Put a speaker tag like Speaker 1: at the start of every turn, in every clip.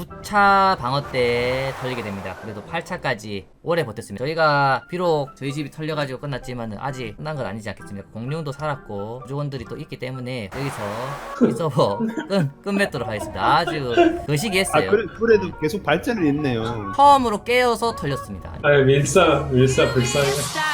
Speaker 1: 9차 방어 때 털리게 됩니다. 그래도 8차까지 오래 버텼습니다. 저희가 비록 저희 집이 털려가지고 끝났지만 아직 끝난 건 아니지 않겠습니까? 공룡도 살았고 부족원들이 또 있기 때문에 여기서 이 서버 끝맺도록 하겠습니다. 아주 거시기했어요.
Speaker 2: 그래도 계속 발전을 했네요.
Speaker 1: 처음으로 깨어서 털렸습니다.
Speaker 3: 아 밀사 불쌍해.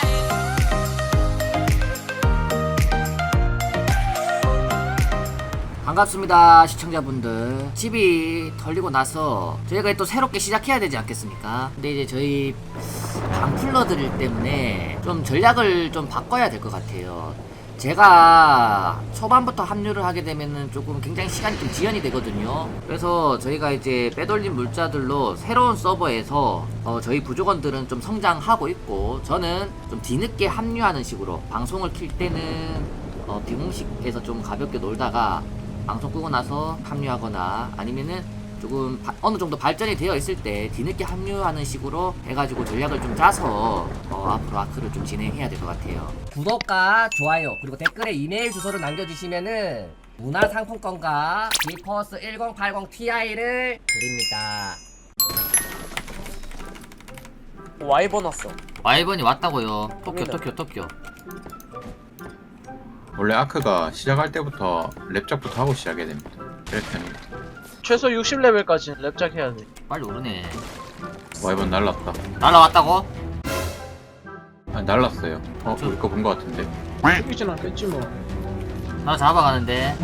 Speaker 1: 반갑습니다 시청자분들. 집이 털리고 나서 저희가 또 새롭게 시작해야 되지 않겠습니까? 근데 이제 저희 방풀러들 때문에 좀 전략을 좀 바꿔야 될 것 같아요. 제가 초반부터 합류를 하게 되면은 조금 굉장히 시간이 좀 지연이 되거든요. 그래서 저희가 이제 빼돌린 물자들로 새로운 서버에서 저희 부족원들은 좀 성장하고 있고, 저는 좀 뒤늦게 합류하는 식으로 방송을 킬 때는 비공식에서 좀 가볍게 놀다가 방송 끄고 나서 합류하거나 아니면은 조금 어느 정도 발전이 되어 있을 때 뒤늦게 합류하는 식으로 해가지고 전략을 좀 짜서 앞으로 아크를 좀 진행해야 될 것 같아요.
Speaker 4: 구독과 좋아요 그리고 댓글에 이메일 주소를 남겨주시면은 문화상품권과 지퍼스 1080 Ti를 드립니다.
Speaker 5: 와이번 왔어.
Speaker 1: 와이번이 왔다고요. 토끼.
Speaker 6: 원래 아크가 시작할 때부터 랩작부터 하고 시작해야 됩니다. 그래 편입니다.
Speaker 5: 최소 60레벨까지 랩작 해야 돼.
Speaker 1: 빨리 오르네.
Speaker 6: 와이번 날랐다.
Speaker 1: 날라왔다고?
Speaker 6: 아 날랐어요. 우리 거 본 거 같은데.
Speaker 5: 죽이진 않겠지 뭐.
Speaker 1: 나 잡아가는데.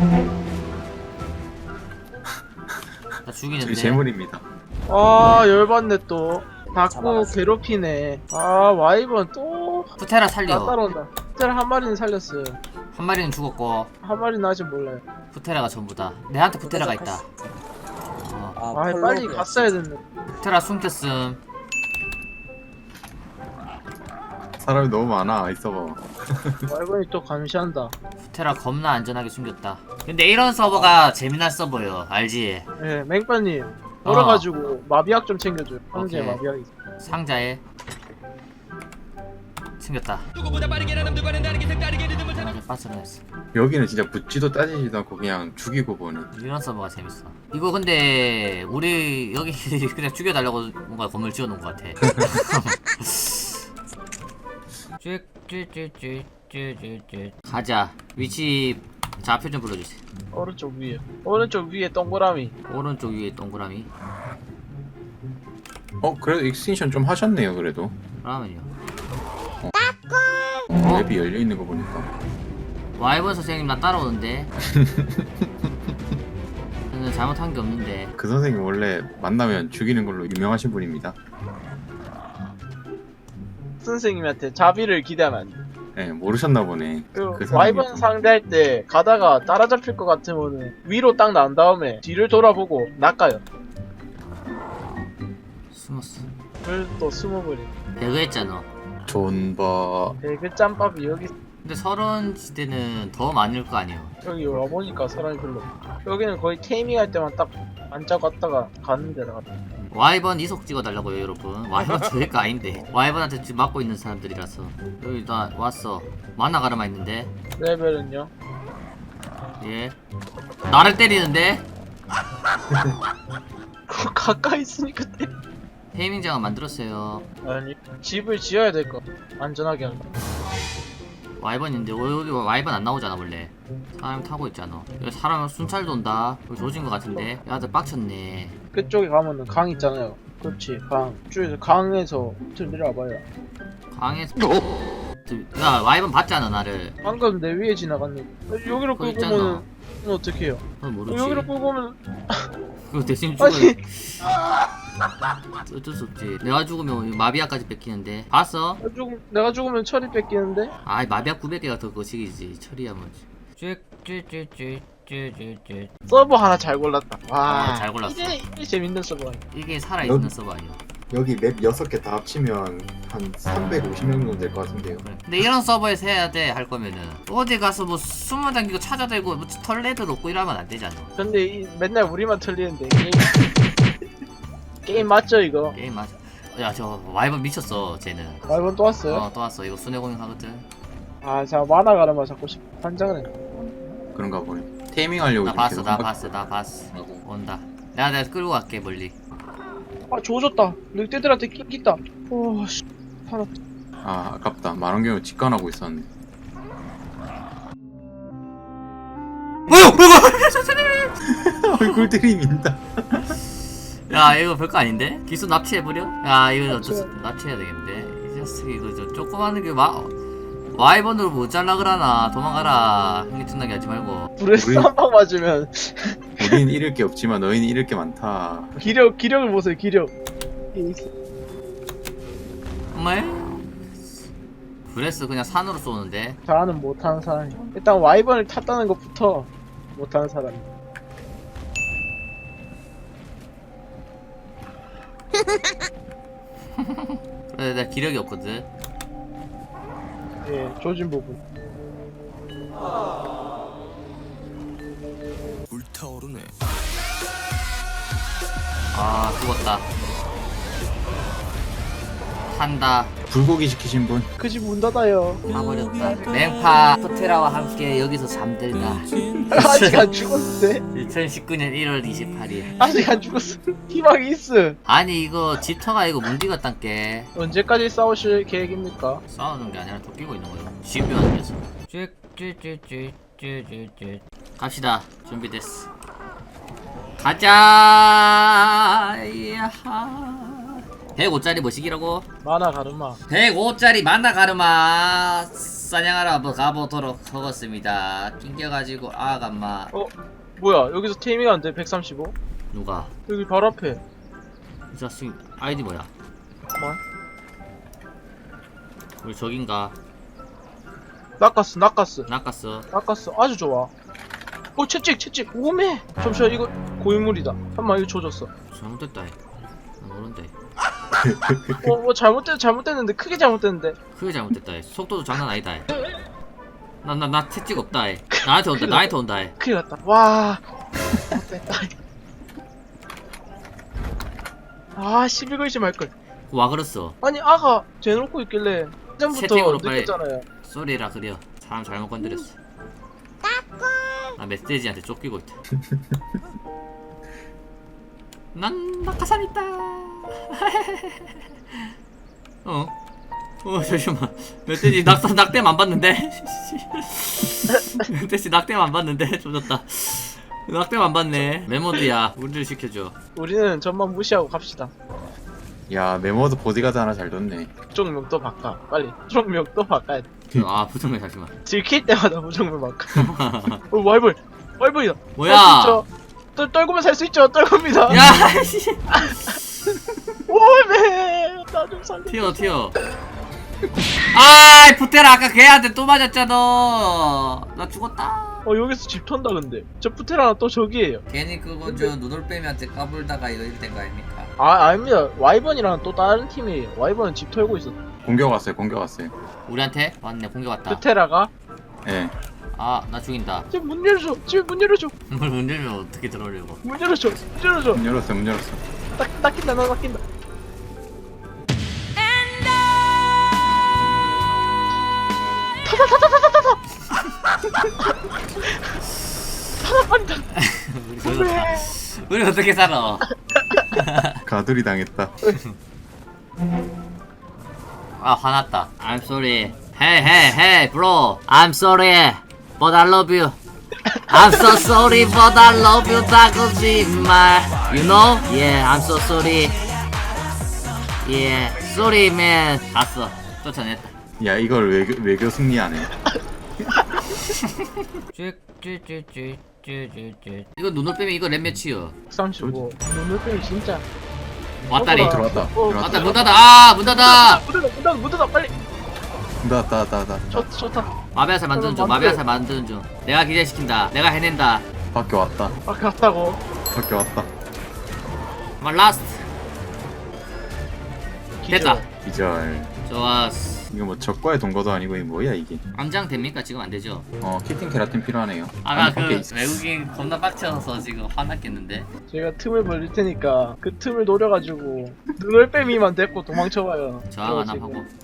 Speaker 1: 나
Speaker 6: 저기
Speaker 1: 죽이는데.
Speaker 6: 재물입니다.
Speaker 5: 아 열받네 또. 자꾸
Speaker 4: 잡아갔어.
Speaker 5: 괴롭히네. 아 와이번 또.
Speaker 1: 푸테라
Speaker 5: 나
Speaker 1: 살려.
Speaker 5: 따라온다. 푸테라 한 마리는 살렸어요.
Speaker 1: 한 마리는 죽었고
Speaker 5: 한 마리는 아직 몰라요.
Speaker 1: 푸테라가 전부다. 내한테 푸테라가 있다.
Speaker 5: 아 빨리 갔어야 됐네.
Speaker 1: 푸테라 숨겼음.
Speaker 6: 사람이 너무 많아 이 서버.
Speaker 5: 와이번이 또 감시한다.
Speaker 1: 푸테라 겁나 안전하게 숨겼다. 근데 이런 서버가 재미난 서버요. 알지?
Speaker 5: 예, 맹빠님. 돌아가지고 마비약 좀 챙겨줘요. 황제
Speaker 1: 오케이.
Speaker 5: 마비약 있어.
Speaker 1: 상자에 챙겼다. 빠져나왔어.
Speaker 6: 여기는 진짜 묻지도 따지지도 않고 그냥 죽이고 보는.
Speaker 1: 이런 서버가 재밌어. 이거 근데 우리 여기 그냥 죽여달라고 뭔가 건물 지어놓은 것 같아. 쭈쭈쭈쭈쭈쭈쭈. 가자. 위치 좌표 좀 불러주세요.
Speaker 5: 오른쪽 위에. 오른쪽 위에 동그라미.
Speaker 1: 오른쪽 위에 동그라미.
Speaker 6: 그래도 익스텐션 좀 하셨네요 그래도.
Speaker 1: 그러면요.
Speaker 6: 맵이 열려 있는 거 보니까.
Speaker 1: 와이번 선생님 나 따라오는데. 저는 잘못한 게 없는데.
Speaker 6: 그 선생님 원래 만나면 죽이는 걸로 유명하신 분입니다.
Speaker 5: 선생님한테 자비를 기대하면 안 돼.
Speaker 6: 네 모르셨나 보네.
Speaker 5: 그
Speaker 6: 선생님이
Speaker 5: 와이번
Speaker 6: 또-
Speaker 5: 상대할 때 가다가 따라잡힐 것 같으면은 위로 딱 난 다음에 뒤를 돌아보고 낚아요.
Speaker 1: 숨었어.
Speaker 5: 그걸 또 숨어버려.
Speaker 1: 배그 했잖아.
Speaker 6: 존버.
Speaker 5: 배그 짬밥이
Speaker 1: 근데 서른 시대는 더 많을 거 아니에요.
Speaker 5: 여기 와보니까 사람이 별로 없어. 여기는 거의 테이밍 할 때만 딱 앉아고 왔다가 가는 데라.
Speaker 1: 와이번 이속 찍어달라고요 여러분. 와이번 저희가 아닌데 와이번한테 지금 맞고 있는 사람들이라서. 여기 나 왔어. 만화 가르마 있는데.
Speaker 5: 레벨은요?
Speaker 1: 예. 나를 때리는데.
Speaker 5: 가까이 있으니까 때.
Speaker 1: 테이밍장을 만들었어요.
Speaker 5: 아니 집을 지어야 될 거. 안전하게 하는 거.
Speaker 1: 와이번인데 여기 와이번 안 나오잖아 원래. 사람 타고 있잖아. 여기 사람 순찰 돈다. 여기 조진 거 같은데. 야들 빡쳤네.
Speaker 5: 그쪽에 가면은 강 있잖아요. 그렇지 강. 쭉 강에서 좀 내려와봐요.
Speaker 1: 강에서. 야 와이번 봤잖아 나를.
Speaker 5: 방금 내 위에 지나갔는데 여기로
Speaker 1: 거기
Speaker 5: 끌고
Speaker 1: 있잖아.
Speaker 5: 오면은 어떻게 해요?
Speaker 1: 그건 모르지.
Speaker 5: 여기로 끌고 오면
Speaker 1: 그거 대신 죽어.
Speaker 5: 아니
Speaker 1: 어쩔 수 없지. 내가 죽으면 마비아까지 뺏기는데. 봤어?
Speaker 5: 내가 죽으면 철이 뺏기는데?
Speaker 1: 아이 마비아 900개가 더 거시기지. 처리야 뭐지. 쭈쭈쭈쭈쭈쭈쭈.
Speaker 5: 서버 하나 잘 골랐다. 와,
Speaker 1: 잘 골랐어.
Speaker 5: 이게 재밌는 서버 아니야.
Speaker 1: 이게 살아있는 서버 아니야.
Speaker 6: 여기 맵 6개 다 합치면 한 350명 정도 될 것 같은데요.
Speaker 1: 그래. 근데 이런 서버에서 해야 돼 할 거면은 어디 가서 뭐 숨어 다니고 찾아다니고 뭐 털레드 놓고 이러면 안 되잖아.
Speaker 5: 근데 맨날 우리만 틀리는데 게임 맞죠 이거?
Speaker 1: 게임 맞아. 야 저 와이번 미쳤어 쟤는.
Speaker 5: 말번 또 왔어요?
Speaker 1: 또 왔어. 이거 순회공연 하거든.
Speaker 5: 아, 자 만화 가르마 자꾸 환장을 해.
Speaker 6: 그런가 보네. 테이밍 하려고
Speaker 1: 나
Speaker 6: 지금
Speaker 1: 봤어
Speaker 6: 계속
Speaker 1: 나
Speaker 6: 생각-
Speaker 1: 봤어 나 봤어.
Speaker 6: 하고.
Speaker 1: 온다. 내가 끌고 갈게 멀리.
Speaker 5: 아 조졌다. 늑대들한테 낑겼다. 오씨 살았다.
Speaker 6: 아 아깝다. 만원경을 직관하고 있었는데. 얼굴 들이민다.
Speaker 1: 야 이거 별거 아닌데? 기수 납치해버려? 야 이거 납치해야 되겠는데? 이 자식 이거 저 조그마한 게 와이번으로 못 잘라 그러나 도망가라. 흥기증나게 하지 말고.
Speaker 5: 브레스
Speaker 6: 우리-
Speaker 5: 한 방 맞으면
Speaker 6: 우리는 잃을 게 없지만 너희는 잃을 게 많다.
Speaker 5: 기력을 보세요 기력.
Speaker 1: 정말? 브레스 그냥 산으로 쏘는데?
Speaker 5: 잘하는 못하는 사람이. 일단 와이번을 탔다는 것부터 못하는 사람이.
Speaker 1: 그래 내가 기력이 없거든.
Speaker 5: 예 조진 부분.
Speaker 7: 불타오르네.
Speaker 1: 아 죽었다. 산다.
Speaker 6: 불고기 시키신 분?
Speaker 5: 그 집 문 닫아요.
Speaker 1: 가버렸다. 맹파 토테라와 함께 여기서 잠들다.
Speaker 5: 아직 안 죽었는데.
Speaker 1: 2019년 1월 28일.
Speaker 5: 아직 안 죽었어. 희망이 있어.
Speaker 1: 아니 이거 집터가 이거 문디갔단께.
Speaker 5: 언제까지 싸우실 계획입니까?
Speaker 1: 싸우는 게 아니라 쫓기고 있는 거예요. 집요한 녀석. 쭈쭈쭈쭈쭈쭈쭈. 갑시다. 준비됐어. 가자. 야하. 105짜리 뭐시기라고?
Speaker 5: 만화 가르마.
Speaker 1: 105짜리 만나 가르마 사냥하러 한번 가보도록 하겠습니다. 낑겨가지고 아감마.
Speaker 5: 뭐야 여기서 테이밍 안 돼? 135?
Speaker 1: 누가?
Speaker 5: 여기 바로 앞에.
Speaker 1: 이 자식 아이디 뭐야?
Speaker 5: 잠깐만.
Speaker 1: 우리 저긴가?
Speaker 5: 낚았어
Speaker 1: 낚았어.
Speaker 5: 아주 좋아. 채찍 오메. 잠시만 이거 고인물이다. 한번 이거 조졌어.
Speaker 1: 잘못됐다. 모른데.
Speaker 5: 잘못됐는데 크게 잘못됐는데.
Speaker 1: 크게 잘못됐다. 속도도 장난 아니다. 나 채찍 없다. 나한테 온다.
Speaker 5: 큰일 났다. 와. 못됐다. 아 11글씨 말걸.
Speaker 1: 와 그랬어.
Speaker 5: 아니 아가 대놓고 있길래 전부터
Speaker 1: 채팅으로 빨리.
Speaker 5: 느꼈잖아요.
Speaker 1: 쏘리라 그려. 사람 잘못 건드렸어. 나 메시지한테 쫓기고 있다. 난 낙하산 있다. 잠시만. 멧돼지 낙댐 안 봤는데. 멧돼지 낙댐 안 봤는데 조졌다. 낙댐 안 봤네. 메모드야. 우리를 시켜줘.
Speaker 5: 우리는 전만 무시하고 갑시다.
Speaker 6: 야 메모드 보디가드 하나 잘 뒀네.
Speaker 5: 부정명도 바꿔. 빨리. 부정명도 바꿔야 돼.
Speaker 1: 아 부정해 잠시만.
Speaker 5: 들킬 때마다 부정명 바꿔. 와이번이다.
Speaker 1: 뭐야?
Speaker 5: 떨구면 살 수 있죠. 떨굽니다.
Speaker 1: 야 씨.
Speaker 5: 오메. 나 좀 살려.
Speaker 1: 튀어. 아 부테라 아까 걔한테 또 맞았잖아. 나 죽었다.
Speaker 5: 여기서 집 턴다 근데. 저 푸테라는 또 저기에요.
Speaker 1: 괜히 그거 저 누돌빼미한테 까불다가 이거 이렇게 된 거 아닙니까?
Speaker 5: 아닙니다. 와이번이랑 또 다른 팀이에요. 와이번은 집 털고 있어.
Speaker 6: 공격 왔어요.
Speaker 1: 우리한테? 왔네 공격 왔다.
Speaker 5: 푸테라가
Speaker 6: 예.
Speaker 1: 아 나 죽인다.
Speaker 5: 집 문 열어줘. 집 문 열어줘.
Speaker 1: 뭘 문제면 어떻게 들어오려고?
Speaker 5: 문 열어줘.
Speaker 6: 문 열었어.
Speaker 5: 낚인다. 나 낚인다.
Speaker 1: 우리 죽었다. 우리 어떻게 살아?
Speaker 6: 가두리 당했다.
Speaker 1: 아 화났다. I'm sorry. Hey bro. I'm sorry. But I love you. I'm so sorry but I love you. 다 거짓말. You know? Yeah, I'm so sorry. Yeah, sorry man. 갔어. 쫓아냈다.
Speaker 6: 야 이걸 외교 승리하네.
Speaker 1: 이거 눈을 빼면 이거 랩 몇이요?
Speaker 5: 35. 눈을 빼면 진짜.
Speaker 1: 왔다리.
Speaker 6: 들어왔다.
Speaker 1: 왔다 문 닫아. 아 문 닫아.
Speaker 5: 문 닫아 빨리.
Speaker 6: 닫아.
Speaker 5: 좋다.
Speaker 1: 마비아살 만드는 중. 마비아살 만드는 중. 내가 기대시킨다. 내가 해낸다.
Speaker 6: 밖에 왔다.
Speaker 5: 갔다고.
Speaker 1: 말 라스트. 됐다.
Speaker 6: 기절.
Speaker 1: 좋았어.
Speaker 6: 이거 뭐 적과의 동거도 아니고 이게 뭐야 이게.
Speaker 1: 암장 됩니까? 지금 안 되죠?
Speaker 6: 키팅 케라틴 필요하네요.
Speaker 1: 아까 그
Speaker 6: 밖에 있어.
Speaker 1: 외국인 겁나 빡쳐서 지금 화났겠는데.
Speaker 5: 제가 틈을 벌릴 테니까 그 틈을 노려가지고 눈을 빼미만 데리고 도망쳐봐요.
Speaker 1: 저항 하나
Speaker 5: 지금.
Speaker 1: 하고.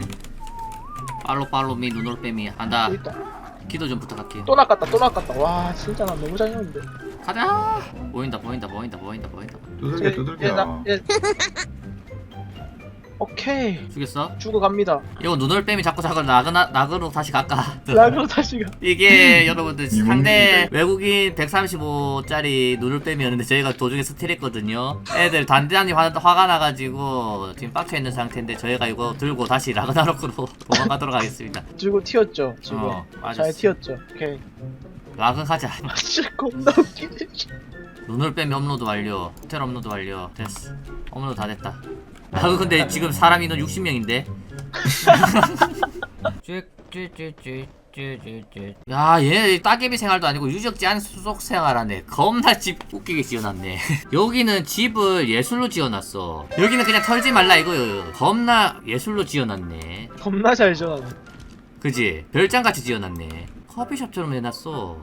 Speaker 1: 팔로미 눈으로 빼미 한다.
Speaker 5: 여기 있다.
Speaker 1: 기도 좀 부탁할게요.
Speaker 5: 또 낚았다. 와 진짜 나 너무 잘했는데.
Speaker 1: 가자. 보인다 보인다 보인다 보인다 보인다.
Speaker 6: 두들겨 두들겨.
Speaker 5: 오케이.
Speaker 1: 죽였어?
Speaker 5: 죽어갑니다.
Speaker 1: 이거 눈올빼미 자꾸 낙으로 다시 갈까?
Speaker 5: 라그로 다시 가.
Speaker 1: 이게 여러분들 상대
Speaker 6: 이분들인데?
Speaker 1: 외국인 135짜리 눈올빼미였는데 저희가 도중에 스틸했거든요. 애들 단단히 화가 나가지고 지금 빡쳐있는 상태인데 저희가 이거 들고 다시 라그나로크로 도망가도록 하겠습니다.
Speaker 5: 죽고 튀었죠. 지금.
Speaker 1: 맞았어.
Speaker 5: 잘 튀었죠. 오케이.
Speaker 1: 라그 가자.
Speaker 5: 아 진짜 겁나 웃기네.
Speaker 1: 눈올빼미 업로드 완료. 호텔 업로드 완료. 됐어. 업로드 다 됐다. 라그 근데 지금 사람 인원 60명인데. 야, 얘네 따개비 생활도 아니고 유적지 안 수속 생활하네. 겁나 집 웃기게 지어놨네. 여기는 집을 예술로 지어놨어. 여기는 그냥 털지 말라 이거요. 겁나 예술로 지어놨네.
Speaker 5: 겁나 잘 전하네.
Speaker 1: 그지? 별장같이 지어놨네. 커피숍처럼 해놨어.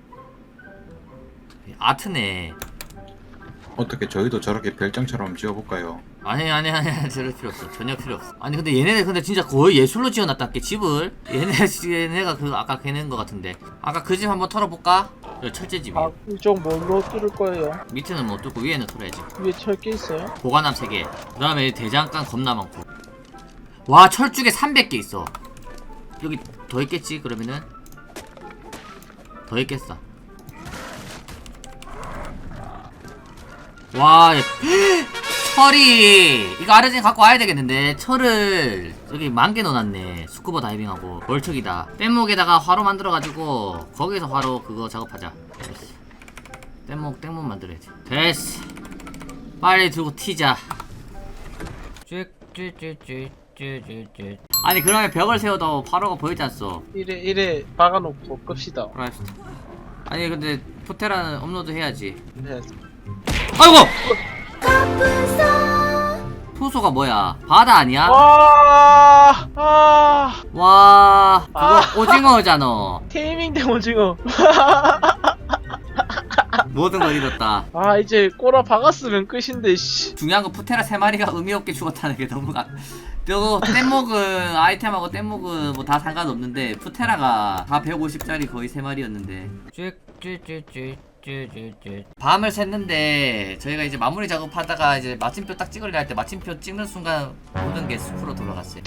Speaker 1: 아트네.
Speaker 6: 어떻게 저희도 저렇게 별장처럼 지어볼까요?
Speaker 1: 아니 저럴 필요 없어. 전혀 필요 없어. 아니 근데 얘네들 근데 진짜 거의 예술로 지어놨다께 집을. 얘네가 그 아까 걔네인 것 같은데. 아까 그 집 한번 털어볼까? 여기 철제집이.
Speaker 5: 아 이쪽 뭘로 뚫을 거예요?
Speaker 1: 밑에는 못 뚫고 위에는 털어야지.
Speaker 5: 위에 철게 있어요?
Speaker 1: 보관함 3개. 그 다음에 대장간 겁나 많고. 와 철쭉에 300개 있어. 여기 더 있겠지 그러면은. 더 있겠어. 와 철이 이거 아르진 갖고 와야 되겠는데. 철을 여기 10,000개 넣어놨네. 스쿠버 다이빙하고 월척이다. 뗏목에다가 화로 만들어가지고 거기서 화로 그거 작업하자. 됐어. 뗏목 만들어야지. 됐어. 빨리 들고 튀자. 아니 그러면 벽을 세워도 화로가 보이지 않소.
Speaker 5: 이래 박아놓고 끕시다.
Speaker 1: 알았어. 아니 근데 포테라는 업로드 해야지.
Speaker 5: 네.
Speaker 1: 아이고! 토소가 뭐야? 바다 아니야? 와, 그거 오징어잖아.
Speaker 5: 테이밍 대 오징어.
Speaker 1: 모든 걸 잃었다.
Speaker 5: 아 이제 꼬라 박았으면 끝인데 씨.
Speaker 1: 중요한 건 푸테라 3마리가 의미 없게 죽었다는 게 너무 저거 뗏목은 아이템하고 뗏목은 뭐 다 상관없는데 푸테라가 다 150짜리 거의 3마리였는데. 밤을 샜는데 저희가 이제 마무리 작업하다가 이제 마침표 딱 찍으려 할 때 마침표 찍는 순간 모든 게 숲으로 돌아갔어요.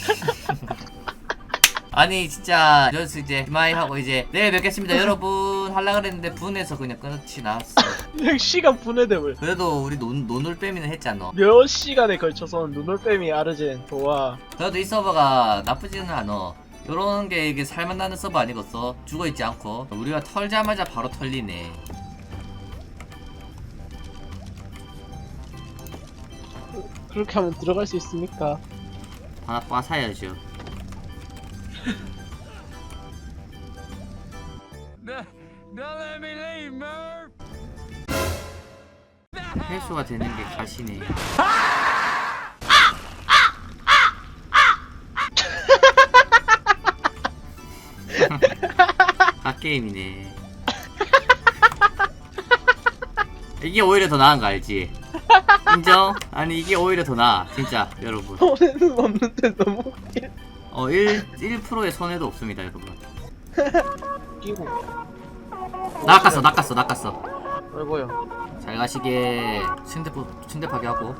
Speaker 1: 아니 진짜 여기서 이제 이마이 하고 이제 내일 뵙겠습니다 여러분 하려 그랬는데 분해서 그냥 끝이 나왔어.
Speaker 5: 6시간 분해됨을
Speaker 1: 그래도 우리 논울빼미는 했잖아.
Speaker 5: 몇 시간에 걸쳐서 눈올빼미 아르젠 도와.
Speaker 1: 그래도 이 서버가 나쁘지는 않아. 요런 게 이게 살만나는 서버 아니겠어? 죽어있지 않고 우리가 털자마자 바로 털리네.
Speaker 5: 그렇게 하면 들어갈 수 있습니까?
Speaker 1: 하나 빠사야죠. 회수가 되는 게 가시네. 갓게임이네. 이게 오히려 더 나은 거 알지? 인정? 아니 이게 오히려 더 나아 진짜 여러분.
Speaker 5: 손에는 없는데 너무 웃겨.
Speaker 1: 1%의 손해도 없습니다 여러분.
Speaker 5: 끼고.
Speaker 1: 낚았어.
Speaker 5: 아이고요.
Speaker 1: 잘 가시게. 침대 파괴하고.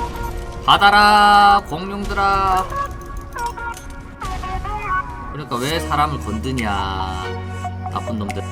Speaker 1: 받아라 공룡들아. 그러니까 왜 사람을 건드냐 나쁜 놈들.